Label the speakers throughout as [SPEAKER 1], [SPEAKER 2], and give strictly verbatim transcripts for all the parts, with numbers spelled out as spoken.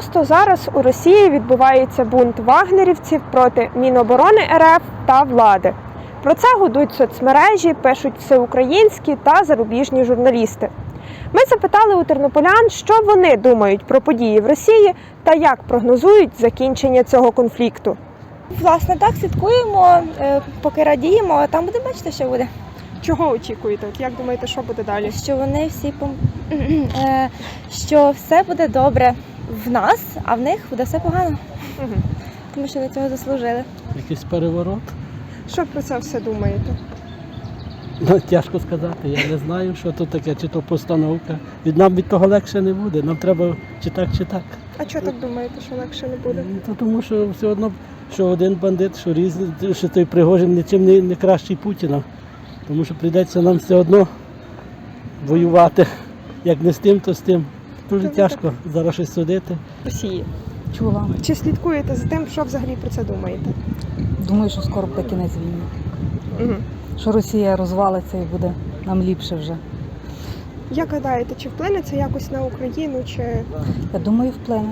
[SPEAKER 1] Просто зараз у Росії відбувається бунт вагнерівців проти Міноборони РФ та влади. Про це гудуть соцмережі, пишуть всеукраїнські та зарубіжні журналісти. Ми запитали у тернополян, що вони думають про події в Росії та як прогнозують закінчення цього конфлікту.
[SPEAKER 2] Власне, так, слідкуємо, поки радіємо, а там будемо бачити, що буде.
[SPEAKER 1] Чого очікуєте? От як думаєте, що буде далі?
[SPEAKER 2] Що вони всі пом... що все буде добре в нас, а в них буде все погано.
[SPEAKER 1] Угу.
[SPEAKER 2] Тому що ви цього заслужили.
[SPEAKER 3] Якийсь переворот?
[SPEAKER 1] Що про це все думаєте?
[SPEAKER 3] Ну, тяжко сказати, я не знаю, що тут таке, чи то постановка. Від нам від того легше не буде, нам треба чи так, чи так.
[SPEAKER 1] А чого так думаєте, що легше не буде?
[SPEAKER 3] Ну, то тому що все одно, що один бандит, що різний, що той Пригожин нічим не, не кращий Путіна. Тому що прийдеться нам все одно воювати. Як не з тим, то з тим. Дуже
[SPEAKER 1] Тобто
[SPEAKER 3] тяжко зараз щось судити.
[SPEAKER 1] Росії.
[SPEAKER 4] Чула.
[SPEAKER 1] Чи слідкуєте за тим, що взагалі про це думаєте?
[SPEAKER 4] Думаю, що скоро буде кінець війни.
[SPEAKER 1] Угу.
[SPEAKER 4] Що Росія розвалиться і буде нам ліпше вже.
[SPEAKER 1] Як гадаєте, чи вплине це якось на Україну, чи...
[SPEAKER 4] Я думаю, вплине.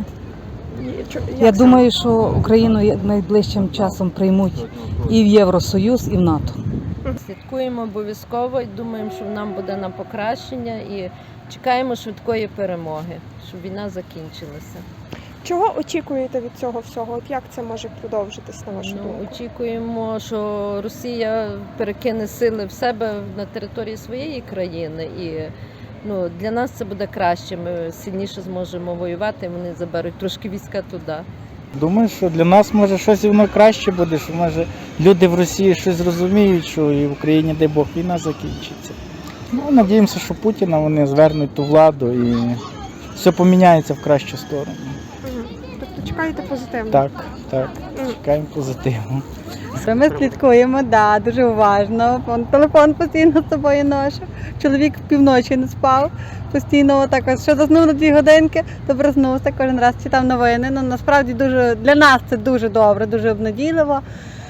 [SPEAKER 1] Чи- як
[SPEAKER 4] Я
[SPEAKER 1] саме?
[SPEAKER 4] думаю, що Україну найближчим часом приймуть і в Євросоюз, і в НАТО.
[SPEAKER 5] Слідкуємо обов'язково і думаємо, що нам буде на покращення і чекаємо швидкої перемоги, щоб війна закінчилася.
[SPEAKER 1] Чого очікуєте від цього всього? От як це може продовжитись, на вашу
[SPEAKER 5] Ну,
[SPEAKER 1] думку?
[SPEAKER 5] очікуємо, що Росія перекине сили в себе на території своєї країни і ну, для нас це буде краще. Ми сильніше зможемо воювати, вони заберуть трошки війська туди.
[SPEAKER 6] Думаю, що для нас може щось і воно краще буде, що може люди в Росії щось зрозуміють, що і в Україні, дай Бог, війна закінчиться. Ну, надіємося, що Путіна вони звернуть ту владу і все поміняється в кращу сторону.
[SPEAKER 1] Угу. Тобто чекаєте позитивно?
[SPEAKER 6] Так, так, чекаємо позитиву.
[SPEAKER 7] Що ми слідкуємо, да, дуже уважно. Вон, телефон постійно з собою ношу. Чоловік півночі не спав. Постійно так ось, що заснув на дві годинки, то проснувся, кожен раз читав новини. Ну, насправді дуже, для нас це дуже добре, дуже обнадійливо.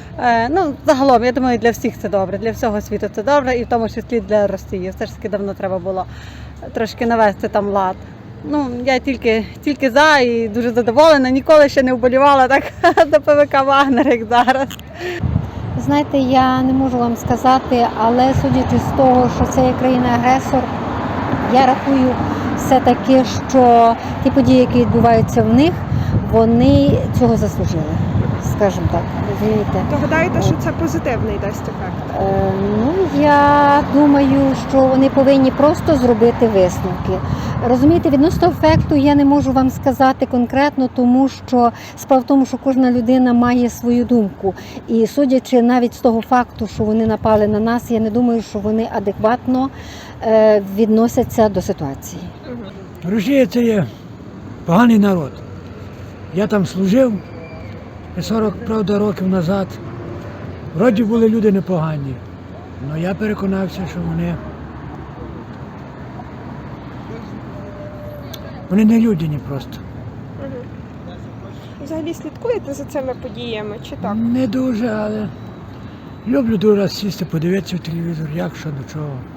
[SPEAKER 7] Е, ну, загалом, я думаю, для всіх це добре, для всього світу це добре, і в тому числі для Росії. Все ж таки давно треба було трошки навести там лад. Ну, я тільки, тільки за і дуже задоволена. Ніколи ще не вболівала так до ПВК «Вагнер», як зараз.
[SPEAKER 8] Знаєте, я не можу вам сказати, але судячи з того, що це є країна-агресор, я рахую все-таки, що ті події, які відбуваються в них, вони цього заслужили, скажімо так, розумієте?
[SPEAKER 1] То гадаєте, що це позитивний дасть ефект?
[SPEAKER 8] Е, ну, я думаю, що вони повинні просто зробити висновки. Розумієте, відносно ефекту я не можу вам сказати конкретно, тому що справа в тому, що кожна людина має свою думку. І судячи навіть з того факту, що вони напали на нас, я не думаю, що вони адекватно е, відносяться до ситуації.
[SPEAKER 9] Росія – це є поганий народ. Я там служив сорок, правда, років назад. Вроді були люди непогані, але я переконався, що вони, вони не людяні просто.
[SPEAKER 1] Угу. Взагалі слідкуєте за цими подіями, чи так?
[SPEAKER 9] Не дуже, але люблю дуже раз сісти, подивитися в телевізор, як, що, до чого.